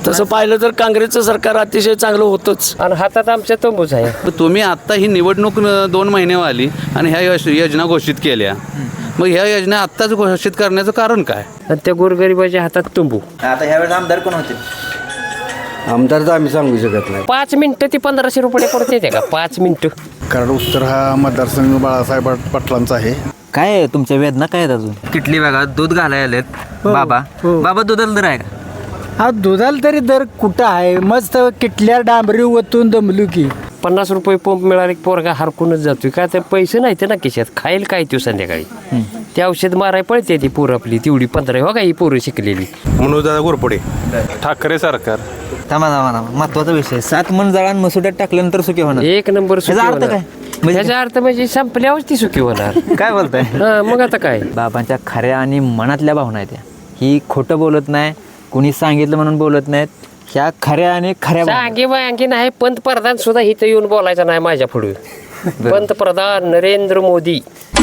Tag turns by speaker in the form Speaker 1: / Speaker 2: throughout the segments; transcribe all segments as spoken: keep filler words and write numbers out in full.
Speaker 1: तसं पाहिलं तर काँग्रेसचं सरकार अतिशय चांगलं होतंच
Speaker 2: आणि हातात आमच्या तंबूच आहे.
Speaker 3: तुम्ही आत्ता ही निवडणूक न- दोन महिने आली आणि ह्या योज- योजना घोषित केल्या, मग ह्या योजना आत्ताच घोषित करण्याचं कारण काय?
Speaker 2: आणि त्या गोरगरिबाच्या हातात तंबू.
Speaker 4: आता ह्यावेळेस आमदार कोण होते?
Speaker 5: आमदार तर आम्ही सांगू शकत नाही.
Speaker 2: पाच मिनिटं ती पंधराशे रुपये पडते ते का पाच मिनिटं.
Speaker 6: कारण उत्तर हा मतदारसंघ बाळासाहेब पाटलांचा आहे.
Speaker 4: काय आहे तुमच्या वेदना काय आहेत अजून? किटली बघा दूध घालायला आलेत बाबा. बाबा दुधाला दर आहे का?
Speaker 7: हा दुधाला तरी दर कुठं आहे? मस्त किटल्या डांबरी ओतून दमलू की
Speaker 2: पन्नास रुपये पंप मिळाले की पोरगा हरकूनच जातोय. का तर पैसे नाही ते ना खिशात. खाईल काय तू संध्याकाळी ते औषध माराय पळते ती पोरं आपली तेवढी पंधरा हो का ही पोरं शिकलेली.
Speaker 8: मनोजदादा घोरपडे ठाकरे सरकार.
Speaker 4: थांबा थांबा थांबा महत्वाचा विषय. सात मन जळान मसुड्यात टाकल्यानंतर सुखी होणार.
Speaker 2: एक नंबर सुखी
Speaker 4: ह्याचा अर्थ
Speaker 2: होणार.
Speaker 4: काय?
Speaker 2: ह्याचा अर्थ म्हणजे संपल्यावर ती सुखी होणार.
Speaker 4: काय बोलताय?
Speaker 2: हा मग आता काय.
Speaker 4: बाबांच्या खऱ्या आणि मनातल्या भावना आहेत त्या. ही खोटं बोलत नाही, कुणी सांगितलं म्हणून बोलत नाहीत. ह्या खऱ्या आणि खऱ्या भावना.
Speaker 2: सांगे बांगे नाही. पंतप्रधान सुद्धा इथं येऊन बोलायचं नाही माझ्या पुढे. पंतप्रधान नरेंद्र मोदी.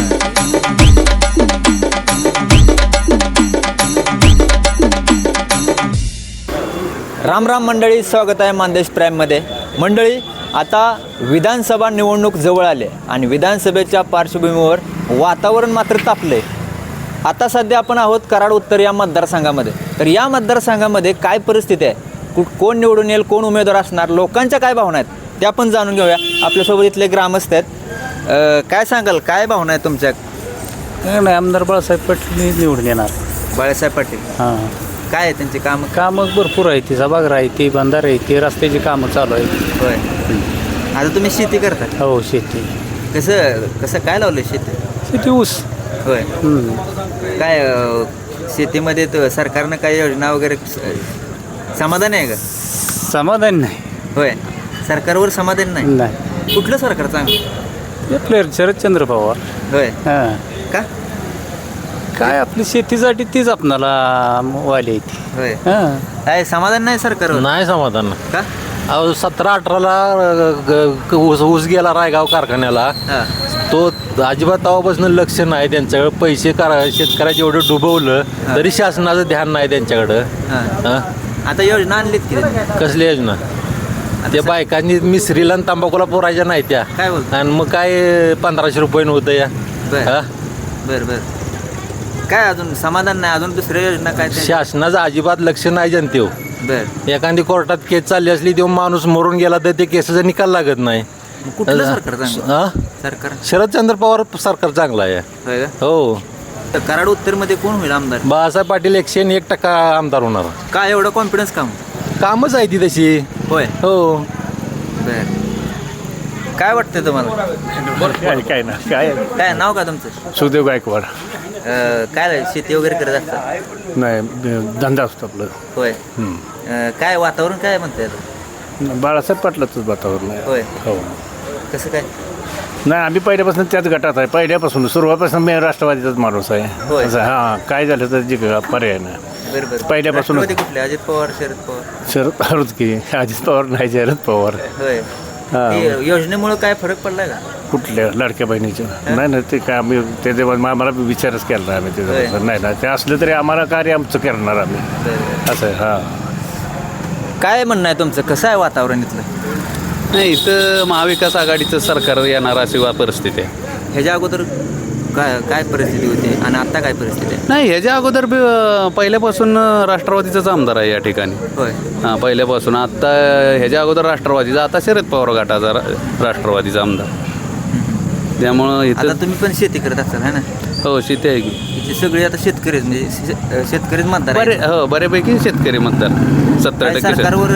Speaker 4: राम राम मंडळी, स्वागत आहे मानदेश प्राईममध्ये. मंडळी, आता विधानसभा निवडणूक जवळ आली आणि विधानसभेच्या पार्श्वभूमीवर वातावरण मात्र तापले. आता सध्या आपण आहोत कराड उत्तर या मतदारसंघामध्ये. तर या मतदारसंघामध्ये काय परिस्थिती आहे, कुठ कोण निवडून येईल, कोण उमेदवार असणार, लोकांच्या काय भावना आहेत त्या आपण जाणून घेऊया. आपल्यासोबत इथले ग्रामस्थ आहेत. अं, काय सांगाल, काय भावना आहेत तुमच्या?
Speaker 1: नाही, आमदार बाळासाहेब पाटील निवडून येणार.
Speaker 4: बाळासाहेब पाटील
Speaker 1: हां,
Speaker 4: काय आहे त्यांची कामं?
Speaker 1: कामं भरपूर आहे. ती सभागृह आहे, ती बंधार आहे, ती रस्त्याची कामं चालू आहेत.
Speaker 4: होय. आता तुम्ही शेती करता?
Speaker 1: हो, शेती
Speaker 4: कसं कसं काय लावलं शेती?
Speaker 1: शेती ऊस.
Speaker 4: होय. काय अं, शेतीमध्ये तर सरकारनं काही योजना वगैरे स- समाधान आहे का?
Speaker 1: समाधान नाही.
Speaker 4: होय. सरकारवर समाधान नाही?
Speaker 1: नाही,
Speaker 4: कुठलं सरकार चांगलं?
Speaker 1: आपले शरदचंद्र पवार.
Speaker 4: होय.
Speaker 1: हां,
Speaker 4: का?
Speaker 1: काय आपली शेतीसाठी तीच आपणाला वाली आहे ती.
Speaker 4: होय.
Speaker 1: हां,
Speaker 4: काय समाधान नाही सरकारवर?
Speaker 8: नाही समाधान.
Speaker 4: का?
Speaker 8: अहो सतरा अठराला ऊस ऊस गेला रायगाव कारखान्याला.
Speaker 4: हां.
Speaker 8: तो अजिबात तेव्हापासून लक्ष नाही त्यांच्याकडे. पैसे करा शेतकऱ्याचे एवढं डुबवलं तरी शासनाचं ध्यान नाही त्यांच्याकडं.
Speaker 4: हां.
Speaker 8: हं?
Speaker 4: आता योजना आणलीत की त्यांनी?
Speaker 8: कसली योजना? ते बायकांनी मिसरीला आणि तंबाखूला पोरायच्या नाही त्या.
Speaker 4: काय बोलतो?
Speaker 8: आणि मग काय पंधराशे रुपये नव्हतं या.
Speaker 4: बर
Speaker 8: हं?
Speaker 4: बर बर काय अजून समाधान नाही? अजून दुसऱ्या योजना काय त्या?
Speaker 8: शासनाचं अजिबात लक्ष नाही जनतेव.
Speaker 4: बर.
Speaker 8: एखादी कोर्टात केस चालली असली तेव्हा माणूस मरून गेला तर ते केसाचा निकाल लागत नाही.
Speaker 4: मग कुठलं सरकार चांगलं?
Speaker 8: हं?
Speaker 4: सरकार
Speaker 8: शरदचंद्र पवार सरकार चांगलं आहे.
Speaker 4: होय का?
Speaker 8: हो.
Speaker 4: तर कराड उत्तरमध्ये कोण होईल आमदार?
Speaker 8: बाळासाहेब पाटील एकशे आणि एक टक्का आमदार होणार.
Speaker 4: काय एवढं कॉन्फिडन्स काम?
Speaker 8: कामच आहे ती तशी.
Speaker 4: होय.
Speaker 8: हो.
Speaker 4: बर. काय वाटतं तुम्हाला?
Speaker 6: काय काय ना काय
Speaker 4: काय नाव का तुमचं?
Speaker 6: सुदेव गायकवाड.
Speaker 4: अं, काय शेती वगैरे करत असतात?
Speaker 6: नाही, धंदा असतो आपलं.
Speaker 4: होय. अं, काय वातावरण काय म्हणते आता?
Speaker 6: बाळासाहेब पाटलाचंच वातावरण आहे.
Speaker 4: होय.
Speaker 6: हो.
Speaker 4: कसं काय?
Speaker 6: नाही, आम्ही पहिल्यापासून त्याच गटात आहे. पहिल्यापासून सुरुवातीपासून मी राष्ट्रवादीचाच माणूस आहे.
Speaker 4: होय.
Speaker 6: असं हां, काय झालं तर जे पर्याय नाही.
Speaker 4: बरं बरं.
Speaker 6: पहिल्यापासून-
Speaker 4: राष्ट्रवादी कुठले? अजित पवार, शरद पवार?
Speaker 6: शरद पवारच की. अजित पवार नाही, शरद पवार.
Speaker 4: होय.
Speaker 6: हां.
Speaker 4: ते योजनेमुळे काय फरक पडलाय का?
Speaker 6: कुठल्या लाडक्या बहिणीच्या? नाही नाही, ते काय आम्ही ते तेव्हा मला विचारच केला नाही आम्ही
Speaker 4: होय.
Speaker 6: त्याच्याबद्दल. नाही ना, ते असलं तरी आम्हाला कार्य आमचं करणार आम्ही.
Speaker 4: बरं.
Speaker 6: असं आहे. हां.
Speaker 4: काय म्हणणं आहे तुमचं? कसं आहे वातावरण इथलं?
Speaker 3: नाही, इथं महाविकास आघाडीचं सरकार येणार अशी वा परिस्थिती आहे.
Speaker 4: ह्याच्या अगोदर काय काय परिस्थिती होती आणि आता काय परिस्थिती आहे?
Speaker 3: नाही, ह्याच्या अगोदर बी, अं, पहिल्यापासून अं, राष्ट्रवादीचाच आमदार आहे या ठिकाणी.
Speaker 4: होय.
Speaker 3: हां, पहिल्यापासून. आत्ता ह्याच्या अगोदर राष्ट्रवादीचा, आता शरद पवार गटाचा रा- राष्ट्रवादीचा आमदार. त्यामुळं
Speaker 4: आता
Speaker 3: इथं
Speaker 4: तुम्ही पण शेती करत असाल है ना?
Speaker 3: हो, शेती आहे की.
Speaker 4: इथे सगळे आता शेतकरीच म्हणजे शे- शेतकरीच मतदार
Speaker 3: बरे
Speaker 4: आहेत.
Speaker 3: हो, बऱ्यापैकी शेतकरी मतदार. सत्तर
Speaker 4: काय
Speaker 3: टक्के शेत-
Speaker 4: सरकारवर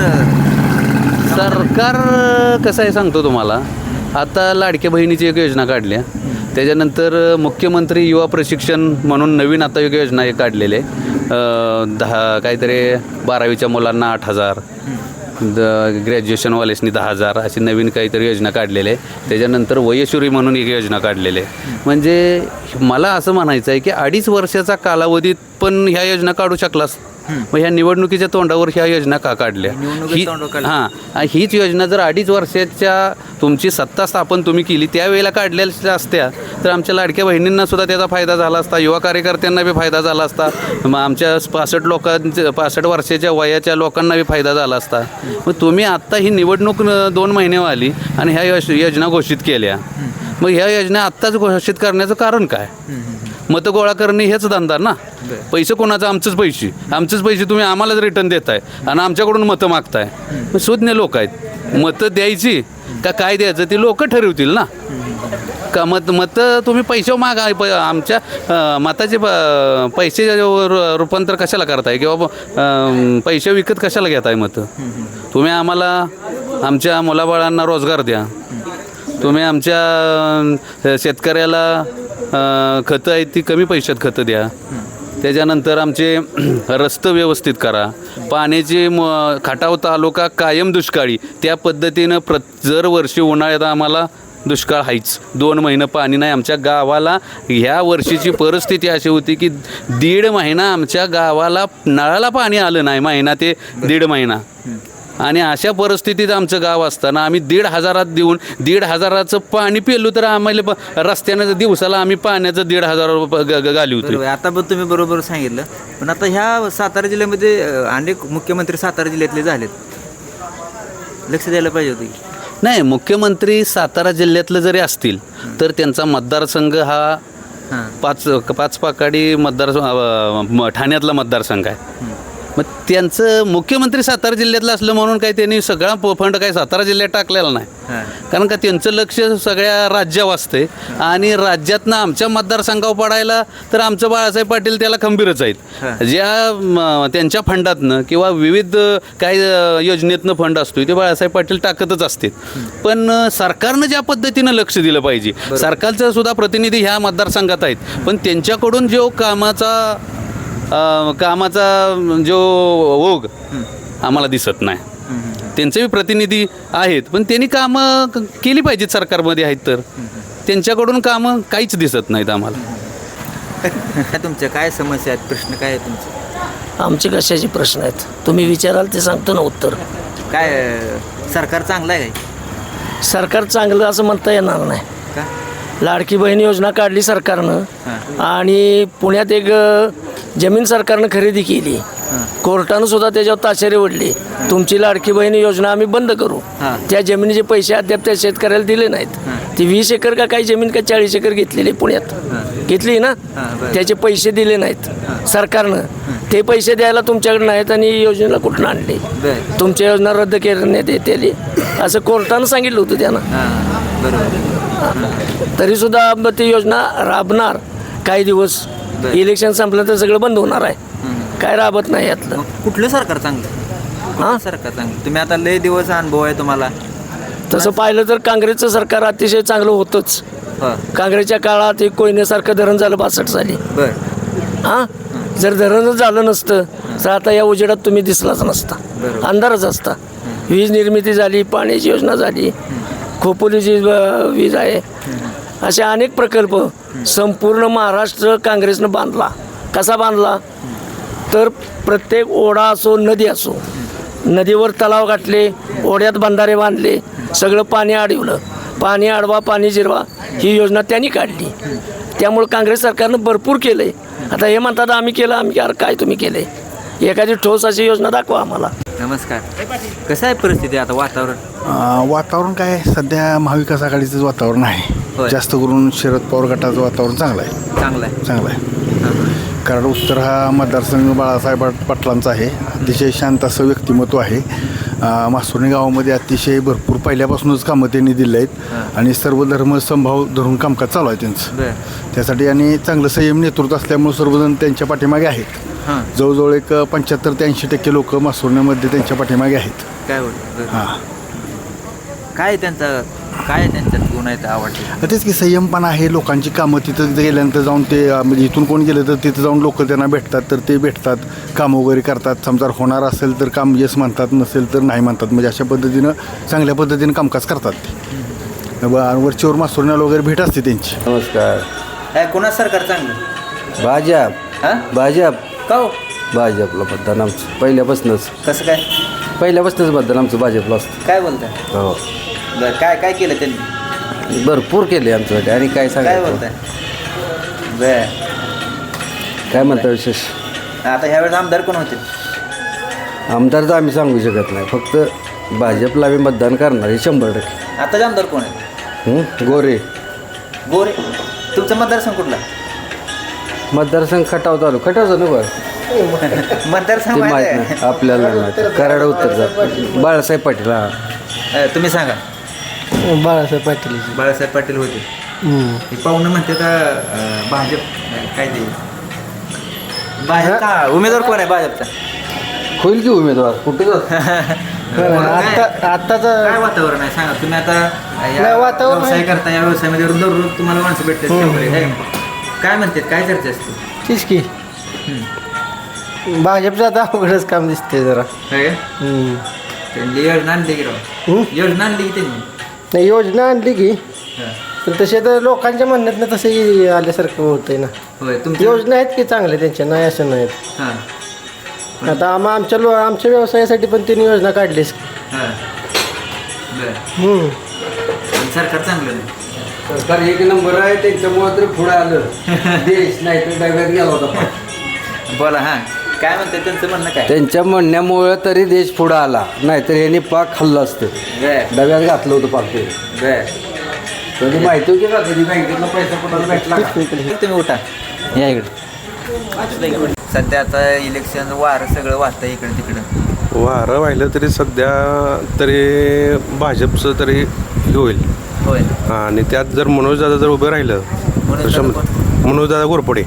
Speaker 3: सरकार कसं आहे सांगतो तुम्हाला. आता लाडक्या बहिणीची एक योजना काढल्या. त्याच्यानंतर मुख्यमंत्री युवा प्रशिक्षण म्हणून नवीन आता एक योजना एक काढलेली आहे. अं, दहा काहीतरी बारावीच्या मुलांना आठ हजार, द ग्रॅज्युएशनवालेसनी दहा हजार अशी नवीन काहीतरी योजना काढलेली आहे. त्याच्यानंतर वयश्री म्हणून एक योजना काढलेली आहे. म्हणजे मला असं म्हणायचं आहे की अडीच वर्षाचा कालावधीत पण ह्या योजना काढू शकला मग ह्या निवडणुकीच्या तोंडावर ह्या योजना का काढल्या
Speaker 4: निवडणुकीच्या
Speaker 3: ही
Speaker 4: तोंडावर काढल्या.
Speaker 3: हां हीच योजना जर अडीच वर्षाच्या तुमची सत्ता स्थापन तुम्ही केली त्यावेळेला काढलेल्या असत्या तर आमच्या लाडक्या बहिणींना सुद्धा त्याचा फायदा झाला असता, युवा कार्यकर्त्यांना बी फायदा झाला असता, मग आमच्या पासष्ट लोकांच्या पासष्ट वर्षाच्या वयाच्या लोकांना बी फायदा झाला असता. मग तुम्ही आत्ता ही निवडणूक न- दोन महिने आली आणि ह्या योज- योजना घोषित केल्या. मग ह्या योजना आत्ताच घोषित करण्याचं कारण काय? मतं गोळा करणे हेच धंदा ना. पैसे कोणाचं? आमचंच पैसे आमचेच पैसे तुम्ही आम्हालाच रिटर्न देताय आणि आमच्याकडून मतं मागताय. मग सुज्ञ लोक आहेत, मतं द्यायची का काय द्यायचं ते लोक ठरवतील ना. का मत मतं तुम्ही पैसे मागा प आमच्या अं, मताचे प- पैसे रु- रूपांतर कशाला करताय किंवा अं, पैसे विकत कशाला घेताय मतं? तुम्ही आम्हाला आमच्या मुलाबाळांना रोजगार द्या, तुम्ही आमच्या अं, शेतकऱ्याला अं, खतं आहेत ती कमी पैशात खतं द्या, त्याच्यानंतर आमचे रस्ते व्यवस्थित करा, पाण्याची म खटाव तालुका कायम दुष्काळी त्या पद्धतीनं प्र दरवर्षी उन्हाळ्यात आम्हाला दुष्काळ आहेच, दोन महिने पाणी नाही आमच्या गावाला. ह्या वर्षीची परिस्थिती अशी होती की दीड महिना आमच्या गावाला नळाला पाणी आलं नाही, महिना ते दीड महिना. आणि अशा परिस्थितीत आमचं गाव असताना आम्ही दीड हजारात देऊन दीड हजाराचं पाणी पिलो तर आम्हाला प- रस्त्यानं दिवसाला आम्ही पाण्याचं दीड हजार रुपये ग- ग- घालवतो.
Speaker 4: बरोबर. आता पण तुम्ही बरोबर सांगितलं. पण आता ह्या सातारा जिल्ह्यामध्ये अ, अनेक मुख्यमंत्री सातारा जिल्ह्यातले झालेत, लक्ष द्यायला पाहिजे होतं की.
Speaker 3: नाही, मुख्यमंत्री सातारा जिल्ह्यातलं जरी असतील तर त्यांचा मतदारसंघ हा
Speaker 4: हां
Speaker 3: पाच पाच पाकाडी मतदार अ, म- ठाण्यातला मतदारसंघ आहे. मग त्यांचं मुख्यमंत्री सातारा जिल्ह्यातलं असलं म्हणून काही त्यांनी सगळा प- फंड काही सातारा जिल्ह्यात टाकलेला नाही.
Speaker 4: हां
Speaker 3: कारण का त्यांचं लक्ष सगळ्या राज्यावर असते आणि राज्यातनं आमच्या मतदारसंघावर पडायला तर आमचं बाळासाहेब पाटील त्याला खंबीरच आहेत.
Speaker 4: हां.
Speaker 3: ज्या म, त्यांच्या फंडातनं किंवा विविध काही अ, योजनेतनं फंड असतो ते बाळासाहेब पाटील टाकतच असते. पण अ, सरकारनं ज्या पद्धतीनं लक्ष दिलं पाहिजे, सरकारचं सुद्धा प्रतिनिधी ह्या मतदारसंघात आहेत, पण त्यांच्याकडून जो कामाचा अ, कामाचा जो ओघ आम्हाला दिसत नाही. त्यांचेही प्रतिनिधी आहेत पण त्यांनी कामं क- केली पाहिजेत, सरकारमध्ये आहेत तर त्यांच्याकडून कामं काहीच दिसत नाहीत आम्हाला.
Speaker 4: काय तुमच्या काय समस्या आहेत, प्रश्न काय आहे तुमचे?
Speaker 9: आमचे कशाचे प्रश्न आहेत तुम्ही विचाराल ते सांगतो ना उत्तर.
Speaker 4: काय अ, सरकार चांगलं आहे काय?
Speaker 9: सरकार चांगलं असं म्हणता येणार नाही.
Speaker 4: का?
Speaker 9: लाडकी बहीण योजना काढली सरकारनं आणि पुण्यात एक अ, जमीन सरकारनं खरेदी केली, कोर्टानं सुद्धा त्याच्यावर ताशेरे ओढले, तुमची लाडकी बहीण योजना आम्ही बंद करू.
Speaker 4: हां.
Speaker 9: त्या जमिनीचे पैसे अद्याप त्या शेतकऱ्याला दिले नाहीत. ती वीस एकर का काही जमीन का चाळीस एकर घेतलेली पुण्यात घेतली ना,
Speaker 4: बरं.
Speaker 9: त्याचे पैसे दिले नाहीत सरकारनं. ते पैसे द्यायला तुमच्याकडे नाहीत आणि ही योजनेला कुठून आणले?
Speaker 4: बरं.
Speaker 9: तुमच्या योजना रद्द करण्यात येते असं कोर्टानं सांगितलं होतं त्यांना.
Speaker 4: हां बरोबर.
Speaker 9: तरीसुद्धा मग ती योजना राबणार काही दिवस, इलेक्शन संपलं तर सगळं बंद होणार आहे. काय राबत नाही यातलं.
Speaker 4: मग कुठलं सरकार चांगलं?
Speaker 9: हां?
Speaker 4: हां सरकार चांगलं. तुम्ही आता लय दिवस अनुभव आहे तुम्हाला.
Speaker 9: तसं पाहिलं तर काँग्रेसचं सरकार अतिशय चांगलं होतंच.
Speaker 4: हां
Speaker 9: काँग्रेसच्या काळात एक कोयनेसारखं धरण झालं बासष्ट साली.
Speaker 4: बरं.
Speaker 9: हां जर धरणच झालं नसतं तर आता या उजेडात तुम्ही दिसलाच नसता,
Speaker 4: बरोबर.
Speaker 9: अंधारच असता. वीज निर्मिती झाली, पाण्याची योजना झाली, खोपोलीची अ, वीज आहे, असे अनेक प्रकल्प संपूर्ण महाराष्ट्र काँग्रेसनं बांधला. कसा बांधला तर प्रत्येक ओढा असो नदी असो, नदीवर तलाव गाठले, ओढ्यात बंधारे बांधले, सगळं पाणी अडवलं. पाणी अडवा पाणी जिरवा ही योजना त्यांनी काढली. त्यामुळे काँग्रेस सरकारनं भरपूर केलं आहे. आता हे म्हणतात आम्ही केलं, आम्ही अरे काय तुम्ही केलं आहे? एखादी ठोस अशी योजना दाखवा आम्हाला.
Speaker 4: नमस्कार. कसं आहे परिस्थिती आता वातावरण?
Speaker 10: अं, वातावरण काय आहे? सध्या महाविकास आघाडीचंच वातावरण आहे.
Speaker 4: होय.
Speaker 10: जास्त करून शरद पवार गटाचं वातावरण चांगलं आहे.
Speaker 4: चांगलं आहे.
Speaker 10: चांगलं आहे कारण उत्तर हा मतदारसंघ बाळासाहेब पाटलांचा आहे. अतिशय शांत असं व्यक्तिमत्व आहे. अं, मासुर्णी गावामध्ये अतिशय भरपूर पहिल्यापासूनच कामं त्यांनी दिले आहेत आणि सर्व धर्म समभाव धरून कामकाज चालू आहे त्यांचं.
Speaker 4: बरं.
Speaker 10: त्यासाठी आणि चांगलं संयम नेतृत्व असल्यामुळे सर्वजण त्यांच्या पाठीमागे आहेत.
Speaker 4: हां
Speaker 10: जवळजवळ एक पंच्याहत्तर ते ऐंशी टक्के लोक मासुर्ण्यामध्ये त्यांच्या पाठीमागे आहेत.
Speaker 4: काय होतं?
Speaker 10: हां
Speaker 4: काय त्यांचा काय त्यांच्यात गुण आहेत आवडते?
Speaker 10: तेच की संयमपणा आहे. लोकांची कामं तिथं गेल्यानंतर जाऊन ते अं, म्हणजे इथून कोण गेलं तर तिथं जाऊन लोक त्यांना भेटतात तर ते भेटतात, कामं वगैरे करतात. समजा होणार असेल तर काम येस म्हणतात, नसेल तर नाही म्हणतात. म्हणजे अशा पद्धतीनं चांगल्या पद्धतीनं कामकाज करतात ते. ब- वरचीवर मासुरण्याला वगैरे भेट असते त्यांची.
Speaker 5: नमस्कार.
Speaker 4: काय कोणा सरकार चांगलं?
Speaker 5: भाजप
Speaker 4: हां
Speaker 5: भाजप
Speaker 4: का हो?
Speaker 5: भाजपला मतदान आमचं पहिल्यापासूनच
Speaker 4: कसं काय
Speaker 5: पहिल्यापासूनच मतदान आमचं भाजपला असतं.
Speaker 4: काय बोलताय
Speaker 5: हो
Speaker 4: बरं काय काय केलं त्यांनी
Speaker 5: भरपूर केले आमच्यासाठी आणि काय
Speaker 4: काय
Speaker 5: सांगायचं
Speaker 4: बोलताय बर
Speaker 5: काय म्हणता विशेष
Speaker 4: आता ह्यावेळेस आमदार कोण होते
Speaker 5: आमदार तर आम्ही सांगू शकत नाही फक्त भाजपला आम्ही मतदान करणार हे शंभर टक्के.
Speaker 4: आताचे आमदार कोण आहेत
Speaker 5: हं? गोरे
Speaker 4: गोरे तुमचा मतदारसंघ कुठला
Speaker 5: मतदारसंघ खटाव चालू खटावचं नको ते
Speaker 4: मतदारसंघ माहिती
Speaker 5: माहीत
Speaker 4: आहे?
Speaker 5: नाही आपल्याला नाही माहिती. कराड उत्तरचा बाळासाहेब पाटील हा
Speaker 4: अ, तुम्ही सांगा
Speaker 7: बाळासाहेब पाटील
Speaker 4: बाळासाहेब पाटील होते हे पाहुणं म्हणते का अ, भाजप नाही, काय ते भाजपचा उमेदवार कोण आहे भाजपचा
Speaker 5: होईल की उमेदवार कुठे जात
Speaker 7: आता आत्ताचं
Speaker 4: काय वातावरण आहे सांगा तुम्ही आता या
Speaker 7: नाही, वातावरण
Speaker 4: व्यवसाय
Speaker 7: आहे.
Speaker 4: करता या व्यवसायामध्ये दररोज तुम्हाला माणसं भेटतात शंभर एक, है का? काय म्हणतात काय चर्चा असते
Speaker 7: तीच की भाजपचं आता अवघडच काम दिसते जरा
Speaker 4: काय
Speaker 7: हम्म.
Speaker 4: त्यांनी योजना आणली की राव
Speaker 7: हम्म?
Speaker 4: योजना आणली की त्यांनी
Speaker 7: नाही योजना आणली की
Speaker 4: हा.
Speaker 7: पण तसे तर लोकांच्या म्हणण्यातनं तसंही आल्यासारखं होतंय ना
Speaker 4: होय तुमची
Speaker 7: योजना आहेत की चांगल्या त्यांच्या नाही असं नाहीत
Speaker 4: हां
Speaker 7: आता आम्हा आमच्या लो आमच्या व्यवसायासाठी पण त्यांनी योजना काढलीच
Speaker 4: हां बरं
Speaker 7: हम्म.
Speaker 4: पण सरकार चांगलं नाही
Speaker 5: सरकार एक नंबर आहे त्यांच्यामुळे तरी पुढे आलं देश नाही तर डब्यात गेला होता.
Speaker 4: बोला हां काय म्हणते त्यांचं म्हणणं काय
Speaker 5: त्यांच्या म्हणण्यामुळे तरी देश पुढे आला नाहीतर यांनी पाक खाल्लं असतं
Speaker 4: बर
Speaker 5: डब्यात घातलं होतं पाक ते
Speaker 4: बर
Speaker 5: म्हणजे माहिती होती का कधी बँकेतला पैसा कोणाला भेटला का?
Speaker 4: तुम्ही उठा या इकडे सध्या आता इलेक्शन वार सगळं वाहतं इकडे तिकडं
Speaker 11: वारं वाहिलं तरी सध्या तरी भाजपचं तरी हे होईल
Speaker 4: होय
Speaker 11: आणि त्यात जर मनोजदादा जर उभं राहिलं तर शंभर मनोजदादा घोरपडे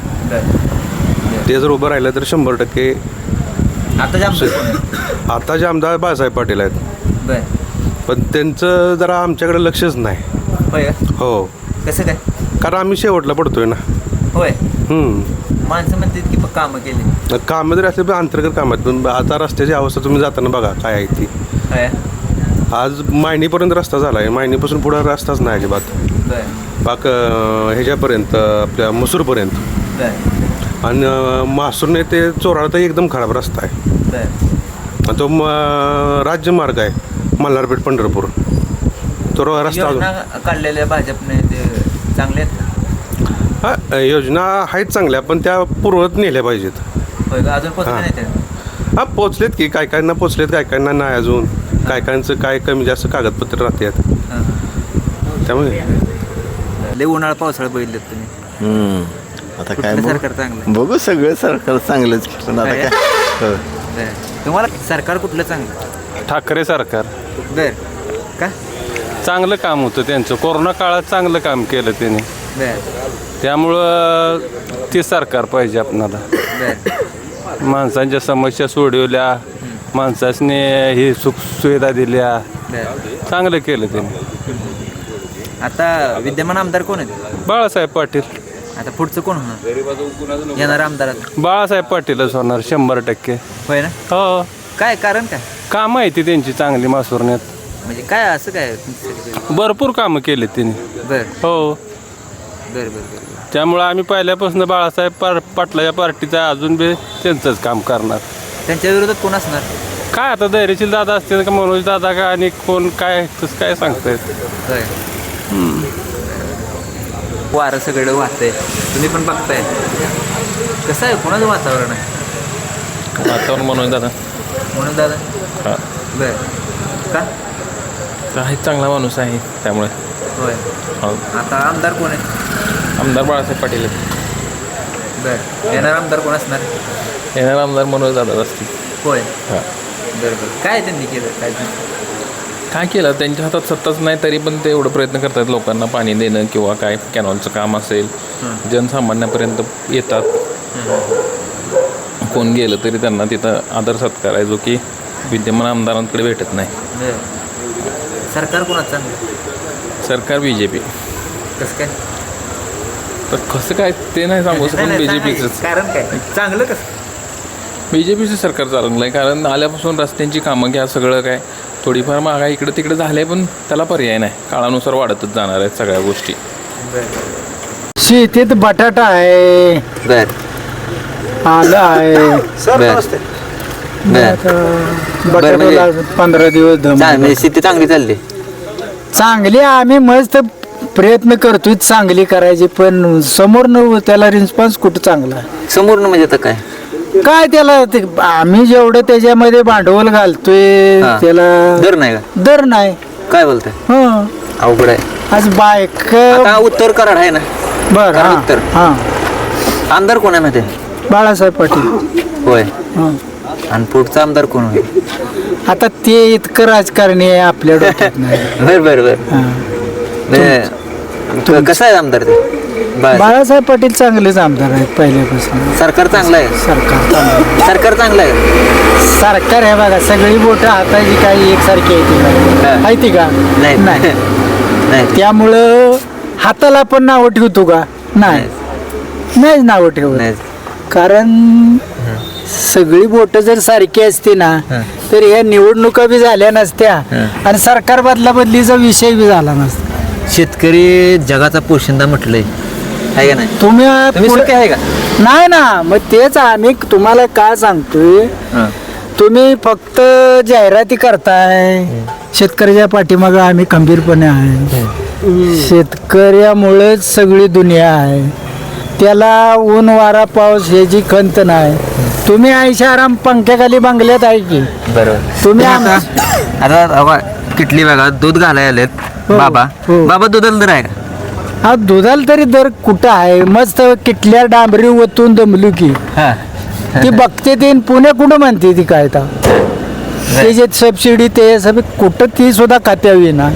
Speaker 4: बर
Speaker 11: ते जर उभं राहिलं तर शंभर टक्के
Speaker 4: आता जे आमचं कोण आहे?
Speaker 11: आता जे आमदार बाळासाहेब पाटील आहेत
Speaker 4: बर
Speaker 11: पण त्यांचं जरा आमच्याकडे लक्षच नाही
Speaker 4: होय का?
Speaker 11: हो
Speaker 4: कसं काय
Speaker 11: कारण आम्ही शेवटला पडतोय ना
Speaker 4: होय
Speaker 11: हम्म.
Speaker 4: माणसं म्हणतात की कामं केली
Speaker 11: कामं जरी असले पण अंतर्गत कामं आहेत पण आता रस्त्याची अवस्था तुम्ही जाताना बघा काय आहे ती
Speaker 4: होय
Speaker 11: आज मायनीपर्यंत रस्ता झाला आहे मायनीपासून पुढं रस्ताच नाही अजिबात
Speaker 4: बर
Speaker 11: पाक अं, ह्याच्यापर्यंत आपल्या मसूरपर्यंत
Speaker 4: बर
Speaker 11: आणि अं, मासूरने ते चोराळा तर एकदम खराब रस्ता आहे
Speaker 4: बर
Speaker 11: आणि तो म, राज्यमार्ग आहे मल्हारपेठ पंढरपूर तो रो- रस्ता अजून
Speaker 4: योजना काढलेल्या भाजपने ते चांगले आहेत का?
Speaker 11: हा योजना आहेत चांगल्या पण त्या पूर्वत नेल्या पाहिजेत
Speaker 4: होय का अजून पोचले
Speaker 11: हां.
Speaker 4: नाही ते
Speaker 11: हा पोचलेत की काय कायना पोचलेत काय कायना नाही अजून काय कायांचं काय कमी जास्त कागदपत्र राहतात
Speaker 4: हां.
Speaker 11: त्यामुळे
Speaker 4: लय उन्हाळा पावसाळा बघितलेत तुम्ही
Speaker 12: आता काय
Speaker 4: कुठलं सरकार चांगलं
Speaker 12: बघू सगळं सरकार चांगलंच पण आता
Speaker 4: काय?
Speaker 12: काय हो.
Speaker 4: बर तुम्हाला सरकार कुठलं चांगलं
Speaker 1: ठाकरे सरकार
Speaker 4: बर का
Speaker 1: चांगलं काम होतं त्यांचं कोरोना काळात चांगलं काम केलं त्यांनी
Speaker 4: बर
Speaker 1: त्यामुळं ते सरकार पाहिजे आपणाला
Speaker 4: बर
Speaker 1: माणसांच्या समस्या सोडवल्या माणसाने ही सुख सुविधा दिल्या
Speaker 4: बर
Speaker 1: चांगलं केलं त्यांनी
Speaker 4: आता विद्यमान आमदार कोण आहेत
Speaker 1: बाळासाहेब पाटील
Speaker 4: आता पुढचं कोण होणार येणार आमदारात
Speaker 1: बाळासाहेब पाटीलच होणार शंभर टक्के
Speaker 4: होय ना
Speaker 1: हो
Speaker 4: काय कारण काय
Speaker 1: कामं आहे ती त्यांची चांगली मासुरण्यात
Speaker 4: म्हणजे काय असं काय तुमचं?
Speaker 1: भरपूर कामं केली त्यांनी
Speaker 4: बर
Speaker 1: हो
Speaker 4: बर बर बर
Speaker 1: त्यामुळं आम्ही पहिल्यापासून बाळासाहेब पार पाटलाच्या पार्टीचा अजून बी त्यांचंच काम करणार
Speaker 4: त्यांच्या विरोधात कोण असणार
Speaker 1: काय आता धैर्यशील दादा असतील का मनोज दादा का आणि कोण काय तसं काय सांगतायत
Speaker 4: होय वारं सगळं वाहतंय तुम्ही पण बघताय कसं आहे कोणाचं वातावरण आहे
Speaker 8: वातावरण मनोज दादा
Speaker 4: म्हणून दादा
Speaker 8: हां
Speaker 4: बर का
Speaker 8: आहे चांगला माणूस आहे त्यामुळे
Speaker 4: होय
Speaker 8: हो
Speaker 4: आता आमदार कोण आहे
Speaker 8: आमदार बाळासाहेब पाटील
Speaker 4: बर येणार आमदार कोण असणार
Speaker 8: येणार आमदार मनोज दादा असतील
Speaker 4: होय
Speaker 8: हां
Speaker 4: बरं बरं काय त्यांनी केलं काय
Speaker 8: काय केलं त्यांच्या हातात सत्ताच नाही तरी पण ते एवढं प्रयत्न करतात लोकांना पाणी देणं किंवा काय कॅनॉलचं काम असेल जनसामान्यापर्यंत येतात कोण गेलं तरी त्यांना तिथं आदर सत्कार आहे जो की विद्यमान आमदारांकडे भेटत नाही
Speaker 4: बरं सरकार कोणाचं चांगलं
Speaker 8: सरकार बी जे पी
Speaker 4: कसं काय
Speaker 8: तर कसं काय ते नाही सांगू शकत बी जे पीचंच
Speaker 4: कारण काय चांगलं कसं
Speaker 8: बी जे पीचं सरकार चाललं आहे कारण आल्यापासून रस्त्यांची कामं घ्या सगळं काय थोडीफार महागाई इकडं तिकडे झाले पण त्याला पर्याय नाही काळानुसार वाढतच जाणार आहेत सगळ्या गोष्टी
Speaker 7: शेतीत बटाटा आहे
Speaker 5: बर
Speaker 7: आलं आहे बटाट्याला पंधरा दिवस दम
Speaker 4: म्हणजे शेती चांगली चालली.
Speaker 7: चांगली आम्ही मस्त प्रयत्न करतोय चांगली करायची पण समोर न त्याला रिस्पॉन्स कुठं चांगला आहे.
Speaker 4: समोर म्हणजे आता काय
Speaker 7: काय त्याला ते आम्ही जेवढं त्याच्यामध्ये भांडवल घालतोय
Speaker 4: हा.
Speaker 7: त्याला
Speaker 4: दर नाही का?
Speaker 7: दर नाही.
Speaker 4: काय बोलताय?
Speaker 7: हं.
Speaker 4: अवघड आहे.
Speaker 7: आज बायक
Speaker 4: आता उत्तर कराड आहे ना?
Speaker 7: बर
Speaker 4: कराड उत्तर.
Speaker 7: हा
Speaker 4: आमदार कोण आहे माहिती आहे?
Speaker 7: बाळासाहेब पाटील.
Speaker 4: होय.
Speaker 7: हं.
Speaker 4: आणि पुढचा आमदार कोण होईल?
Speaker 7: आता ते इतकं राजकारणी आहे आपल्या डोक्यात नाही.
Speaker 4: बर बर बर
Speaker 7: हां.
Speaker 4: म्हणजे कसं आहे आमदार ते? बरं.
Speaker 7: बाळासाहेब पाटील चांगलेच आमदार आहेत पहिल्यापासून.
Speaker 4: सरकार चांगलं आहे.
Speaker 7: सरकार चांगलं
Speaker 4: सरकार चांगलं आहे.
Speaker 7: सरकार आहे बघा सगळी बोटं हाताची काही एकसारखी आहे ती
Speaker 4: हा.
Speaker 7: आहे ती का
Speaker 4: नाही.
Speaker 7: नाही
Speaker 4: नाही.
Speaker 7: त्यामुळं हाताला पण नावं ठेवतो का नाही नाहीच नावं ठेवत
Speaker 4: नाही.
Speaker 7: कारण सगळी बोट जर सारखी असते ना तर ह्या निवडणुका बी झाल्या नसत्या आणि सरकार बदला बदलीचा विषय बी झाला नसता.
Speaker 4: शेतकरी जगाचा पोशिंदा म्हटलंय आहे का नाही?
Speaker 7: तुम्ही
Speaker 4: तुम्ही
Speaker 7: पुढे-
Speaker 4: सुखी आहे का?
Speaker 7: नाही ना मग तेच आम्ही तुम्हाला काय सांगतोय तुम्ही फक्त जाहिराती करताय शेतकऱ्याच्या पाठीमागं आम्ही खंबीरपणे आहे. शेतकऱ्यामुळेच सगळी दुनिया आहे. त्याला ऊन वारा पाऊस ह्याची खंत नाही. तुम्ही आयशा आराम पंख्याखाली बंगल्यात आहे की
Speaker 4: बरोबर.
Speaker 7: तुम्ही आम-
Speaker 4: आता आता किटली बघा दूध घालायला आलेत बाबा.
Speaker 7: हो.
Speaker 4: बाबा दुधाला दर आहे का?
Speaker 7: हा दुधाला तरी दर कुठं आहे मस्त किटल्या डांबरी ओतून दमलू की
Speaker 4: हा.
Speaker 7: ती बघते ते पुणे कुठं म्हणते ती काय तर ते जे सबसिडी ते सब कुठं ती सुद्धा खात्यावी ना.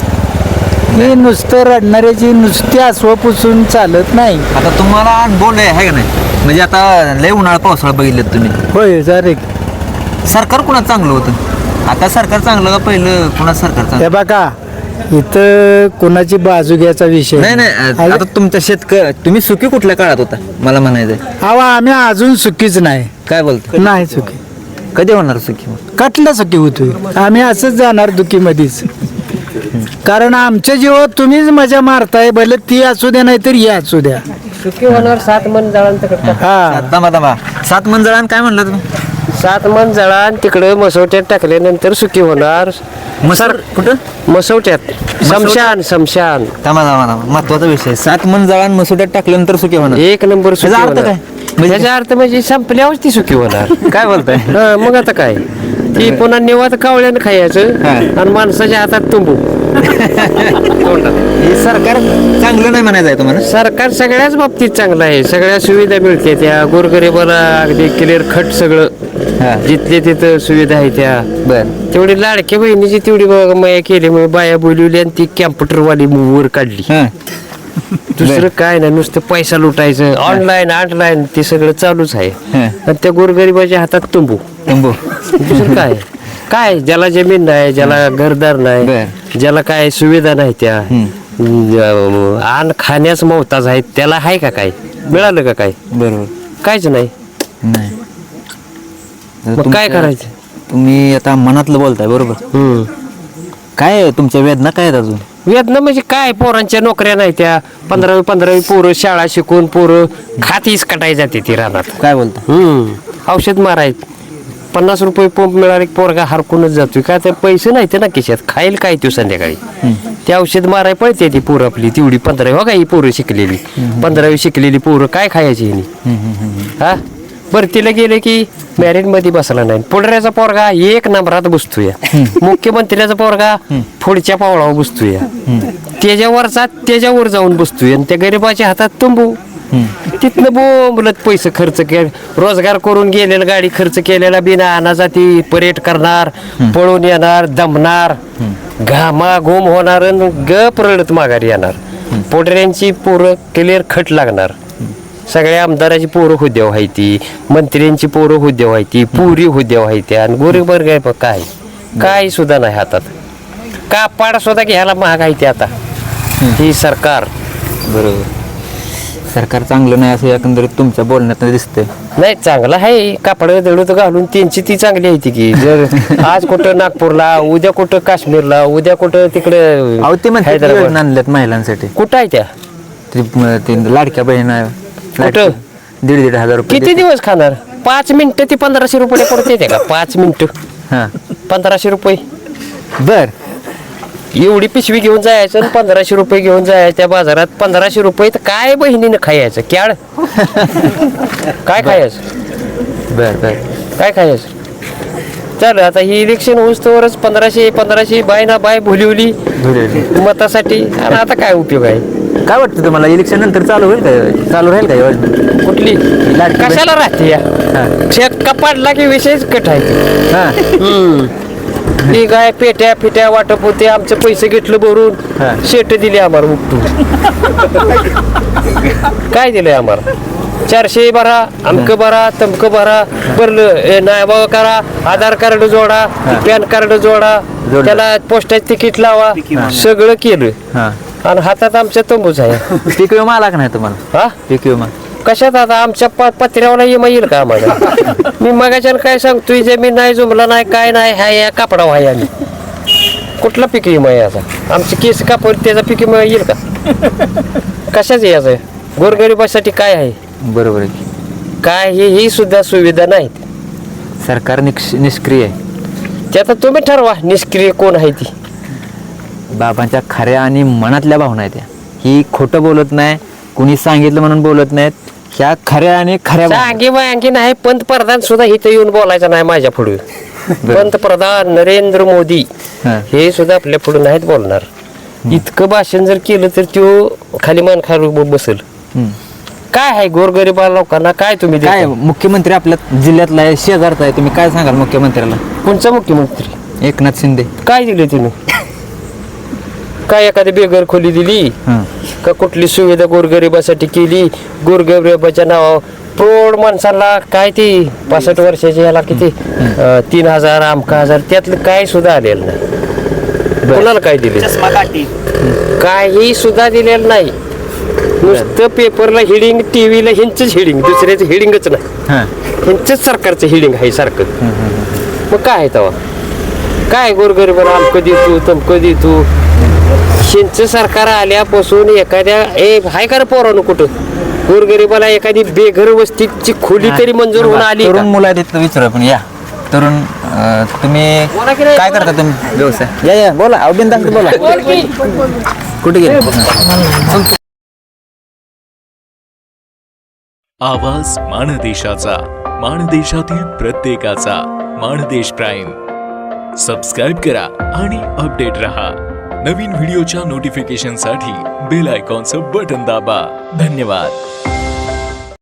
Speaker 7: ही नुसतं रडणाऱ्याची नुसती अस्व पुसून चालत नाही.
Speaker 4: आता तुम्हाला अनुभव लय आहे का नाही? म्हणजे आता लय उन्हाळा पावसाळा बघितलं तुम्ही.
Speaker 7: होय जरे
Speaker 4: सरकार कुणाचं चांगलं होतं? आता सरकार चांगलं का पहिलं कुणाचं सरकार चांगलं?
Speaker 7: हे बघा इथं कोणाची बाजू घ्यायचा विषय
Speaker 4: नाही नाही आता तुमच्या शेतकरी तुम्ही सुखी कुठल्या काळात होता मला म्हणायचंय?
Speaker 7: अहो आम्ही अजून सुखीच नाही.
Speaker 4: काय बोलतो?
Speaker 7: नाही सुखी.
Speaker 4: कधी होणार सुखी मग?
Speaker 7: कटला सुखी होतोय आम्ही असंच जाणार दुखीमध्येच. कारण आमच्या जीवात तुम्हीच मजा मारताय भले ती असू द्या नाही तर ही असू द्या.
Speaker 2: सुखी होणार सात मन जळान
Speaker 7: हा
Speaker 4: दमा दमा सात मंजळान काय म्हणलं तुम्ही?
Speaker 2: सात मन जळान तिकडे मसवट्यात टाकल्यानंतर सुखी होणार.
Speaker 4: मसर कुठं?
Speaker 2: मसवट्यात समशान समशान
Speaker 4: दमा दमा दमा महत्वाचा विषय. सात मंजळान मसुट्यात टाकल्यानंतर सुखी होणार.
Speaker 2: एक नंबर सुखी
Speaker 4: त्याचा अर्थ
Speaker 2: होणार.
Speaker 4: काय?
Speaker 2: त्याचा अर्थ म्हणजे संपल्यावर ती सुखी होणार.
Speaker 4: काय बोलताय?
Speaker 2: हा, मग आता काय ती पुन्हा निवात कावळ्यानं खायचं आणि माणसाच्या हातात तुंबू.
Speaker 4: हे सरकार चांगलं नाही म्हणायचं आहे तुम्हाला?
Speaker 2: सरकार सगळ्याच बाबतीत चांगलं आहे. सगळ्या सुविधा मिळते त्या गोरगरिबाला अगदी क्लिअर खट सगळं जिथले तिथं सुविधा आहे त्या.
Speaker 4: बर.
Speaker 2: तेवढी लाडक्या बहिणीची तेवढी बघा माया केली मग बाया बोलवली आणि ती कॅम्प्युटरवाली वर काढली. दुसरं काय नाही नुसतं पैसा लुटायचं ऑनलाईन ऑनलाईन ते सगळं चालूच आहे. आणि त्या गोरगरिबाच्या हातात तुंबू
Speaker 4: तुंबू.
Speaker 2: दुसरं काय काय ज्याला जमीन नाही ज्याला घरदार नाही ज्याला काय सुविधा नाही त्या अन्न खाण्यास मोहताज आहेत त्याला आहे का काय मिळालं का काय?
Speaker 4: बरोबर.
Speaker 2: काहीच नाही.
Speaker 4: नाही.
Speaker 2: मग काय करायचं?
Speaker 4: तुम्ही आता मनातलं बोलताय बरोबर.
Speaker 2: हम्म
Speaker 4: काय आहे तुमच्या वेदना काय आहेत अजून?
Speaker 2: वेदना म्हणजे काय पोरांच्या नोकऱ्या नाही त्या पंधरावी पंधरावी पोरं शाळा शिकून पोरं खातीच कटाई जाते ती रानात.
Speaker 4: काय बोलता?
Speaker 2: हम्म औषध मारायचं पन्नास रुपये पंप मिळाले पोरगा हरकूनच जातोय का तर पैसे नाही ते ना खिशात खाईल काय तू संध्याकाळी ते औषध माराय पळते ती पोरं आपली तेवढी पंधरावी हो का ही पोरं शिकलेली पंधरावी शिकलेली पोरं काय खायची हिनी हा भरतीला गेले की मॅरिट मध्ये बसला नाही. पुढऱ्याचा पोरगा एक नंबरात बसतोय मुख्यमंत्र्याचा पोरगा पुढच्या पावलावर बसतोय त्याच्यावरचा त्याच्यावर जाऊन बसतोय आणि त्या गरीबाच्या हातात तुंबू. तिथनं बोंबलत पैसे खर्च के रोजगार करून गेलेला गाडी खर्च केलेला बिना अनाचा ती परेड करणार पळून येणार दमणार घामा घुम होणार आणि गप रडत माघारी येणार. पोटऱ्यांची पोरं क्लिअर खट लागणार. सगळ्या आमदाराची पोरं हुद्या व्हायती मंत्र्यांची पोरं हुद्या व्हायती पुरी हुद्या व्हायत्या आणि गोरीबर काय काय काय सुद्धा नाही हातात. कापाड सुद्धा घ्यायला महाग आहे ते आता ही सरकार.
Speaker 4: बरोबर. सरकार चांगलं नाही असं एकंदरीत तुमच्या बोलण्यात दिसतंय.
Speaker 2: नाही चांगलं आहे कापड दळूत घालून त्यांची ती चांगली आहे ती की जर आज कुठं नागपूरला उद्या कुठं काश्मीरला उद्या कुठं तिकडे
Speaker 4: हैदराबाद आणल्यात महिलांसाठी.
Speaker 2: कुठं आहे त्या
Speaker 4: ती- ती लाडक्या बहीण आहे
Speaker 2: कुठं
Speaker 4: दीड दीड हजार रुपये
Speaker 2: किती दिवस खाणार पाच मिनिटं ती पंधराशे रुपये पडते ते का पाच मिनिटं
Speaker 4: हां
Speaker 2: पंधराशे रुपये
Speaker 4: बर
Speaker 2: एवढी पिशवी घेऊन जायचं आणि पंधराशे रुपये घेऊन जायचं त्या बाजारात पंधराशे रुपये तर काय बहिणीनं खायचं क्याड काय खायचं
Speaker 4: बर बर
Speaker 2: काय खायचं चालेल आता ही इलेक्शन होईस्तोवरच पंधराशे पंधराशे बाय ना बाय भुलिवली मतासाठी आणि आता काय उपयोग आहे
Speaker 4: काय वाटतं तुम्हाला इलेक्शन नंतर चालू होईल का चालू राहील का योजना
Speaker 2: कुठली
Speaker 4: लाडकी बहीण?
Speaker 2: कशाला राहते या
Speaker 4: हां
Speaker 2: शेत कपाडला की विषयच कट आहे
Speaker 4: हां
Speaker 2: हम्म. ती काय पेट्या फिट्या वाटप होते आमचे पैसे घेतलं
Speaker 4: हा.
Speaker 2: भरून शेट दिले आम्हाला उपटून काय दिलंय आम्हाला चारशे भरा अमक भरा तमक भरा भरलं ए, नाही बाबा करा आधार कार्ड जोडा पॅन कार्ड जोडा
Speaker 4: जोडलं.
Speaker 2: त्याला पोस्टाचं तिकीट लावा सगळं केलं
Speaker 4: हां
Speaker 2: आणि हातात आमच्या तंबूच आहे
Speaker 4: पीक विमा आला का नाही तुम्हाला
Speaker 2: हा
Speaker 4: पीक विमा
Speaker 2: कशात आता आमच्या प- पत्र्यावर येमा येईल का आम्हाला मी मगाच्यानं काय सांगतोय जमीन नाही जुमला नाही काय नाही हाय या कापडा आहे आम्ही कुठला पीक विमा आहे याचा आमचे केस कापड त्याचा पीक विमा येईल का कशाच याचं गोरगरिबासाठी काय आहे
Speaker 4: बरोबर आहे
Speaker 2: काय हे ही सुद्धा सुविधा नाहीत
Speaker 4: सरकार निक्ष निष्क्रिय आहे
Speaker 2: ते आता तुम्ही ठरवा निष्क्रिय कोण आहे ती
Speaker 4: बाबांच्या खऱ्या आणि मनातल्या भावना आहेत त्या ही खोटं बोलत नाही कुणी सांगितलं म्हणून बोलत नाहीत ह्या खऱ्या आणि खऱ्या भावना.
Speaker 2: सांगे वांगे नाही पंतप्रधान सुद्धा इथं येऊन बोलायचं नाही माझ्या पुढे पंतप्रधान नरेंद्र मोदी
Speaker 4: हां.
Speaker 2: हे सुद्धा आपल्या पुढे नाहीत बोलणार इतकं भाषण जर केलं तर तो खाली मान खाली बसेल
Speaker 4: हम्म.
Speaker 2: काय आहे गोरगरिबा लोकांना काय तुम्ही
Speaker 4: काय
Speaker 2: देता?
Speaker 4: मुख्यमंत्री आपल्या जिल्ह्यातला आहे शेजारचा आहे तुम्ही काय सांगाल मुख्यमंत्र्याला
Speaker 2: कोणचा मुख्यमंत्री
Speaker 4: एकनाथ शिंदे
Speaker 2: काय दिले तुम्ही काय एखादी बेघर खोली दिली
Speaker 4: हां
Speaker 2: का कुठली सुविधा गोरगरिबासाठी केली गोरगरिबाच्या नावावर प्रौढ माणसाला काय ती पासष्ट वर्षाच्या याला किती अं, तीन हजार अमका हजार त्यातलं काय सुद्धा आलेलं नाही कोणाला काय दिले काही सुद्धा दिलेलं नाही नुसतं पेपरला हिडिंग टीव्हीला ह्यांचंच हिडिंग दुसऱ्याचं हिडिंगच नाही
Speaker 4: हां
Speaker 2: ह्यांचंच सरकारचं हिडिंग आहे सारखं मग काय आहे तेव्हा काय गोरगरिबाला अमकं देतो तमकं देतो ह्यांचं सरकार आल्यापासून एखाद्या ए हाय का रे पोरानं कुठं गोरगरिबाला एखादी बेघर वस्तीची खोली तरी मंजूर होऊन आली
Speaker 4: तरुण
Speaker 2: का?
Speaker 4: मुलं आहेत तिथं विचारू आपण या तरुण अं, तुम्ही
Speaker 2: बोला की नाही?
Speaker 4: काय करता तुम्ही व्यवसाय या या बोला अभिनंदन बोला
Speaker 2: बोल की.
Speaker 4: कुठे गेले
Speaker 13: आवाज माणदेशाचा माणदेशातील प्रत्येकाचा माणदेश प्राईम सबस्क्राईब करा आणि अपडेट रहा नवीन व्हिडिओच्या नोटिफिकेशनसाठी बेल आयकॉनचं बटन दाबा धन्यवाद.